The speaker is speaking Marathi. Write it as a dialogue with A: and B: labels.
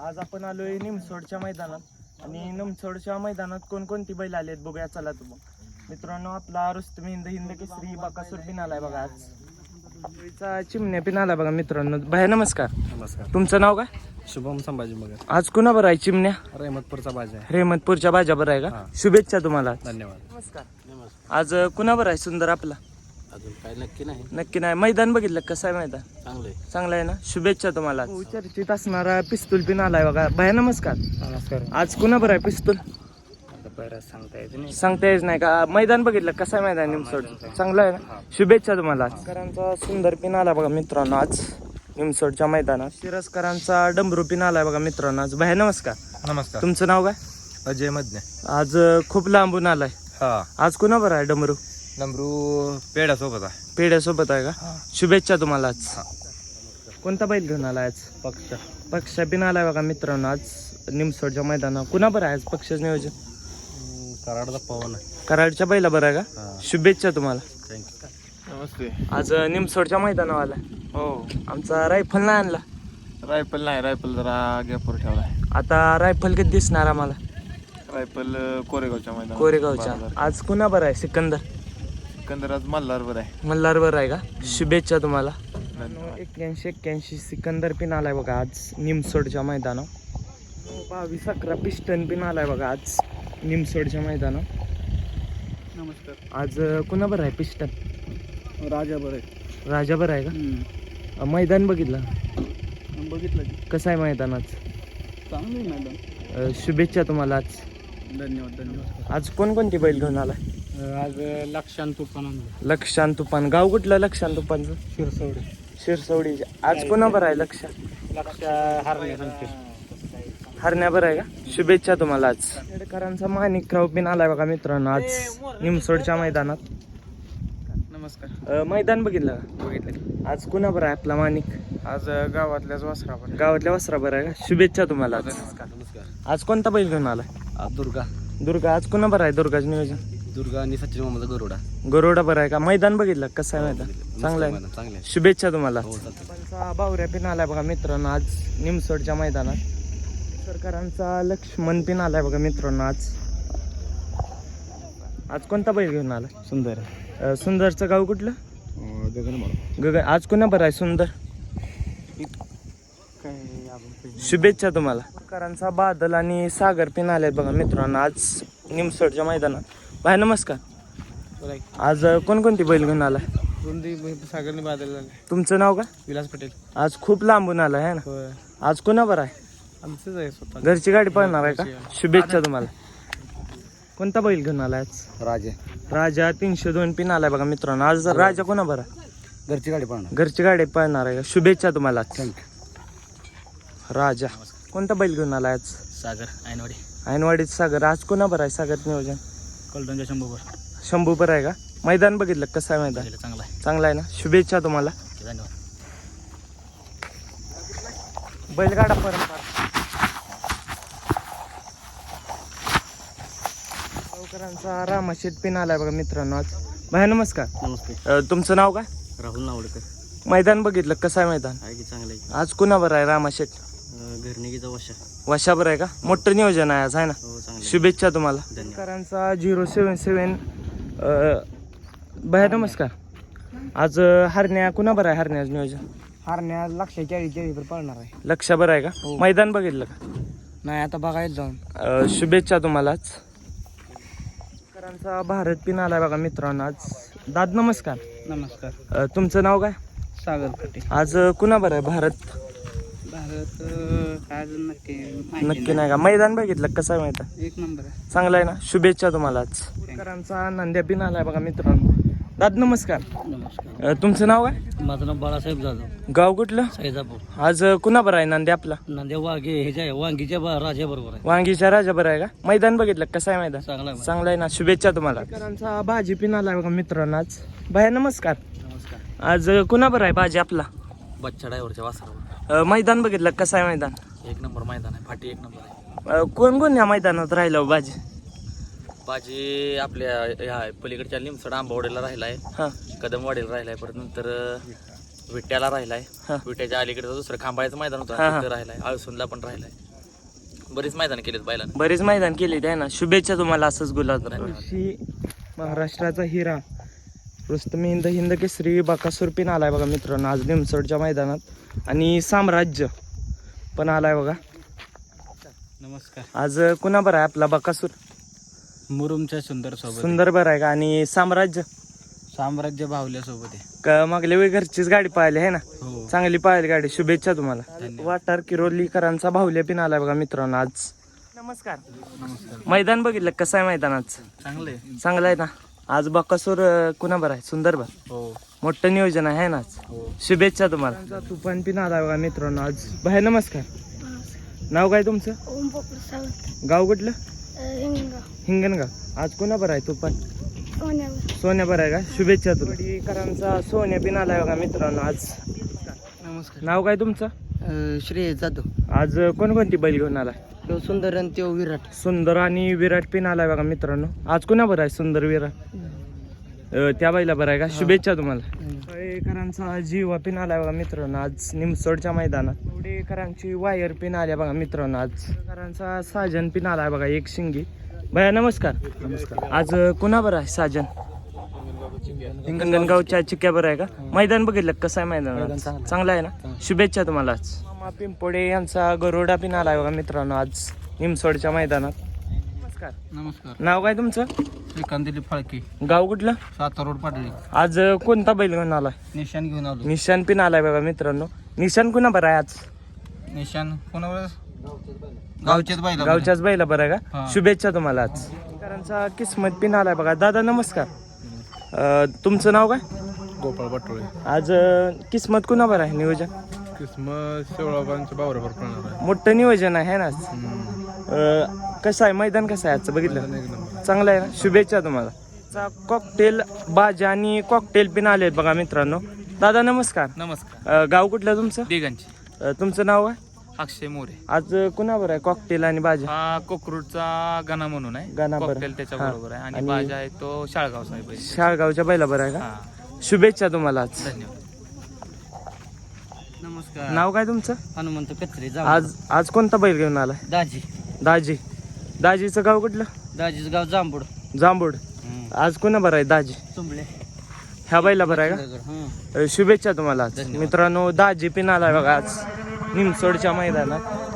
A: आज आपण आलोय निमसोडच्या मैदानात आणि निमसोडच्या मैदानात कोणकोणती बैल आलेत बघूया चला तुम्ही मित्रांनो. आपला रुस्तम हिंद केसरी बकासूर पिन आलाय बघा. आज चिमण्या पिन आलाय बघा मित्रांनो. भाई नमस्कार.
B: नमस्कार.
A: तुमचं नाव काय?
B: शुभम संभाजी मगर.
A: आज कुणा बरं आहे चिमण्या?
B: रहमतपूरचा बाजा आहे.
A: रहमतपूरच्या बाजा बरं आहे का? शुभेच्छा तुम्हाला.
B: धन्यवाद.
A: नमस्कार. आज कुणा बरं आहे सुंदर आपला?
B: अजून काय नक्की नाही.
A: नक्की नाही. मैदान बघितलं कसं आहे मैदान?
B: चांगलं
A: आहे ना. शुभेच्छा तुम्हाला. चर्चेत असणारा पिस्तूल पिन आलाय बघा. भाई नमस्कार.
B: नमस्कार.
A: आज कुणा बरं आहे पिस्तूल? सांगता येत नाही का? मैदान बघितलं कसं आहे मैदान निमसोड? चांगलं आहे ना. शुभेच्छा तुम्हाला. शिरसकरांचा सुंदर पिन आला बघा मित्रांनो आज निमसोडच्या मैदानात. शिरसकरांचा डमरू पिन आलाय बघा मित्रांनो आज. भाई नमस्कार.
B: नमस्कार.
A: तुमचं नाव काय?
B: अजय मधने.
A: आज खूप लांबून आलाय.
B: हा.
A: आज कुणा बरं आहे डमरू?
B: नमरू पेड्यासोबत आहे.
A: पेढ्यासोबत आहे का? शुभेच्छा तुम्हाला आज. कोणता बैल घेऊन आलाय आज? पक्ष पिन आलाय बघा मित्रांनो आज निमसोडच्या मैदानात. कुणा बरं आहे आज पक्षच नियोजन?
B: कराडचा पवन आहे.
A: कराडच्या बैला बरं आहे का? शुभेच्छा तुम्हाला.
B: थँक्यू. नमस्ते.
A: आज निमसोडच्या मैदानावर आलाय.
B: हो.
A: आमचा रायफल नाही आणला.
B: रायफल नाही. रायफल जरा गॅपवर ठेवलाय.
A: आता रायफल कधी दिसणार आम्हाला?
B: रायफल कोरेगावच्या मैदानात.
A: कोरेगावच्या. आज कुणा बरं आहे? सिकंदर.
B: सिकंदर आज मल्हारवर आहे.
A: मल्हार बरं आहे का? शुभेच्छा तुम्हाला. 81 सिकंदर पिन आलाय बघा आज निमसोडच्या मैदानावर. 22-11 पिस्टन पिन आलाय बघा आज निमसोडच्या मैदानावर.
B: नमस्कार.
A: आज कुणा बरं आहे पिस्टन?
B: राजा बरं आहे.
A: राजा बरं आहे का? मैदान बघितलं कसं आहे मैदानात?
B: चांगलं मैदान.
A: शुभेच्छा तुम्हाला आज.
B: धन्यवाद.
A: आज कोणकोणती बैल घेऊन आलाय?
B: आज लक्षांत तुफान आणलं.
A: लक्षांत तुफान. गाव कुठलं लक्षांत तुफानचं? शिरसवडी. आज कोणा बरं आहे? लक्ष हरण्या बरं आहे का? शुभेच्छा तुम्हाला आज. खेडकरांचा माणिकराव पिन आलाय बघा मित्रांनो आज निमसोडच्या मैदानात.
B: नमस्कार.
A: मैदान बघितलं का? आज कुणा बरं आहे आपला माणिक?
B: आज गावातल्या
A: वस्त्रा बरं आहे का? शुभेच्छा तुम्हाला.
B: नमस्कार.
A: आज कोणता बैल घेऊन आलाय?
B: दुर्गा.
A: आज कुणा बरं आहे दुर्गाचं नियोजन?
B: दुर्गा आणि सचिन मोहम्मद
A: गरोडा बरं आहे का? मैदान बघितलं कसं आहे मैदान? चांगलं आहे.
B: चांगलं आहे.
A: शुभेच्छा तुम्हाला. बावऱ्या पिन आलाय बघा मित्रांनो आज निमसोडच्या मैदानात. सरकारांचा लक्ष्मण पिन आलाय बघा मित्रांनो आज. आज कोणता बैल घेऊन आलाय?
B: सुंदर.
A: सुंदरचं गाव कुठलं?
B: गगन.
A: आज कुणा बरं आहे सुंदर? शुभेच्छा तुम्हाला. सरकारांचा बादल आणि सागर पिन आलाय बघा मित्रांनो आज निमसोडच्या मैदानात. भाई नमस्कार. आज कोणकोणती बैल घेऊन आलाय?
B: सागरने बादल झाले.
A: तुमचं नाव का?
B: विलास पटेल.
A: आज खूप लांबून आलाय है ना. आज कोणा बरं आहे?
B: आमचंच आहे स्वतः.
A: घरची गाडी पळणार आहे का? शुभेच्छा तुम्हाला. कोणता बैल घेऊन आलाय आज? राजा 302 पिन आलाय बघा मित्रांनो आज. राजा कोणा बरं?
B: घरची गाडी पाहणार.
A: घरची गाडी पळणार आहे का? शुभेच्छा तुम्हाला. राजा. कोणता बैल घेऊन आलाय आज?
B: सागर
A: ऐनवाडीत सागर. आज कोणा बरं आहे सागर नियोजन?
B: कलटनच्या
A: शंभू बरं आहे का? मैदान बघितलं कसं आहे मैदान? चांगलं आहे ना. शुभेच्छा तुम्हाला.
B: धन्यवाद.
A: बैलगाडा परंपरा. गावकरांचा रामाशेट पिन आलाय बघा मित्रांनो आज. भाई नमस्कार.
B: नमस्ते.
A: तुमचं नाव काय?
B: राहुल नावडकर.
A: मैदान बघितलं कसं आहे मैदान?
B: आहे की चांगलं आहे.
A: आज कुणा बरं आहे? रामाशेट.
B: घरनिकीचा
A: वशा बरं आहे का? मोठं नियोजन आहे आज आहे ना.
B: हो चांगलं.
A: शुभेच्छा तुम्हाला.
B: धन्यवाद.
A: करांचा 077. भाई नमस्कार. आज हरण्या कुणा बरं आहे? हरण्याचं नियोजन?
B: हारण्या 140 पळणार आहे.
A: लक्ष बरं आहे का? मैदान बघितलं का?
B: नाही आता बघायला जाऊन.
A: शुभेच्छा तुम्हालाच. करांचा भारत पिन आलाय बघा मित्रांनो आज. दाद नमस्कार.
B: नमस्कार.
A: तुमचं नाव काय?
B: सागर पटेल.
A: आज कुणा बरं आहे? भारत
B: काय अजून
A: नक्की नाही का? मैदान बघितलं कसं आहे मैदान?
B: एक नंबर आहे.
A: चांगलं आहे ना. शुभेच्छा तुम्हालाच. करांचा नंद्या पिन आलाय बघा मित्रांनो. दाद नमस्कार.
B: नमस्कार.
A: तुमचं नाव काय?
B: माझं नाव बाळासाहेब जाधव.
A: गाव कुठलं?
B: सैजापूर.
A: आज कुणा बरं आहे नंद्या आपला?
B: नांदेड वांगीच्या राजा बरोबर आहे.
A: वांगीच्या राजा बरं आहे का? मैदान बघितलं कसं आहे मैदान?
B: चांगला आहे.
A: चांगलं आहे ना. शुभेच्छा तुम्हाला. करांचा भाजी पिन आलाय बघा मित्रांनो आज. भाई नमस्कार.
B: नमस्कार.
A: आज कुणा बरं आहे भाजी आपला?
B: बच्चा ड्रायव्हरच्या वासरावर.
A: मैदान बघितलं कसं आहे मैदान?
B: एक नंबर मैदान आहे. फाटी एक नंबर आहे.
A: कोण कोण या मैदानात राहिलं भाजी?
B: बाजी आपल्या ह्या पलीकडच्या लिमसड आंबावडीला राहिला आहे.
A: हां.
B: कदमवाडीला राहिला आहे. परत नंतर विट्याला राहिलाय.
A: हा.
B: विट्याच्या अलीकडे दुसरं खांबाळ्याचं मैदान होतं
A: हा, हा.
B: तिथं राहिलाय. आळसुंदला पण राहिलाय. बरीच मैदान केलेत बैलानं.
A: बरेच मैदान केले आहे ना. शुभेच्छा तुम्हाला असंच गुलाब. महाराष्ट्राचा हिरा रुस्तम हिंद हिंद केसरी बकासूर पिन आलाय बघा मित्रांनो आज निमसोडच्या मैदानात. आणि साम्राज्य पण आलाय बघा.
C: नमस्कार.
A: आज कुणा बरं आहे आपला बकासूर?
C: मुरुमच्या सुंदर सोबत
A: सुंदर बरं आहे का? आणि साम्राज्य
C: साम्राज्य बाहुल्या सोबत आहे.
A: का मागल्या वेळी घरचीच गाडी पाहिली आहे ना.
C: हो.
A: चांगली पाहिली गाडी. शुभेच्छा तुम्हाला.
C: धन्यवाद.
A: वाटार किरोलीकरांचा बाहुल्या पिन आलाय बघा मित्रांनो आज. नमस्कार.
C: नमस्कार.
A: मैदान बघितलं कसं आहे मैदानाच?
C: चांगले.
A: चांगलं आहे ना. आज बकासूर कुणा बरं आहे? सुंदर बरं.
C: हो.
A: मोठं नियोजन आहे ना आज.
C: हो.
A: शुभेच्छा तुम्हाला. तुफान पिन आलाय बघा मित्रांनो आज. बाहेर नमस्कार. नाव काय तुमचं?
D: ओम पोपट सावंत.
A: गाव कुठलं?
D: हिंगणगाव.
A: हिंगणगाव. आज कुणा बरं आहे तुफान?
D: सोन्यावर.
A: सोन्या बरं आहे का? शुभेच्छा तुला. सोन्या पिन आलाय बघा मित्रांनो आज.
C: नमस्कार.
A: नाव काय तुमचं?
C: श्रेय जाधव.
A: आज कोणकोणती बैल घेऊन आलाय?
C: तो सुंदर आणि तो विराट.
A: सुंदर आणि विराट पिन आलाय बघा मित्रांनो. आज कुणा बरं आहे? सुंदर विराट त्या बाईला बरं आहे का? शुभेच्छा तुम्हाला. कळेकरांचा जीवा पिन आलाय बघा मित्रांनो आज निमसोडच्या मैदानात. कवडेकरांची वायर पिन आल्या बघा मित्रांनो आज. करांचा साजन पिन आलाय बघा एक शिंगी. भैया नमस्कार.
C: नमस्कार.
A: आज कुणा बरं आहे साजन? हिंगणगावच्या चिक्या बरं आहे का? मैदान बघितलं कसं आहे मैदान? चांगलं आहे ना. शुभेच्छा तुम्हाला आज. मामा पिंपोडे यांचा गरुडा पिन आलाय बघा मित्रांनो आज निमसोडच्या मैदानात. नमस्कार.
C: नमस्कार.
A: नाव काय तुमचं?
C: श्रीकांत दिलीप फाळके.
A: गाव कुठलं?
C: सातारा रोड पाटली.
A: आज कोणता बैल घेऊन आलाय?
C: निशान घेऊन आलो.
A: निशान पिन आलाय बघा मित्रांनो. निशान कुणा बरं आहे आज?
C: निशान कोणावर? गावच्याच बाईला.
A: गावच्याच बैला बरं आहे का?
C: हा.
A: शुभेच्छा तुम्हाला आज. करांचा किस्मत पिन आलाय बघा. दादा नमस्कार. तुमचं नाव काय?
E: गोपाळ पाटोळे.
A: आज किस्मत कुणा बरं आहे नियोजन?
E: किस्मत शेवळाबांच्या बावऱ्यावर पडणार आहे.
A: मोठं नियोजन आहे ना आज. कसं आहे मैदान कसं आहे आजचं बघितलं?
E: एक नंबर.
A: चांगलं आहे ना. शुभेच्छा तुम्हाला. कॉकटेल बाजा आणि कॉकटेल पिन आले आहेत बघा मित्रांनो. दादा नमस्कार.
C: नमस्कार.
A: गाव कुठलं तुमचं?
C: दिगंची.
A: तुमचं नाव आहे?
C: अक्षय मोरे.
A: आज कुणावर आहे कॉकटेल आणि बाजा?
C: हा कोकरूडचा गाणा म्हणून आहे.
A: गाणा बरं.
C: कॉकटेल त्याच्या
A: हा.
C: बरोबर आहे. आणि
A: आणि
C: बाजा आहे तो शाळगाव साहेब आहे.
A: शाळगावच्या बैला बरं आहे का?
C: हा.
A: शुभेच्छा तुम्हाला आज.
C: धन्यवाद. नमस्कार.
A: नाव काय तुमचं?
C: हनुमंत कचरे.
A: आज कोणता बैल घेऊन आलाय?
C: दाजी.
A: दाजी. दाजीचं गाव कुठलं?
C: दाजीच गाव जांभूड.
A: जांभूड. आज कोणा बरं आहे दाजी?
C: चुंबळे.
A: ह्या बैला बरं आहे का? शुभेच्छा तुम्हाला आज.
C: धन्यवाद.
A: मित्रांनो दाजी पिन आलाय बघा आज निमसोडच्या मैदानात.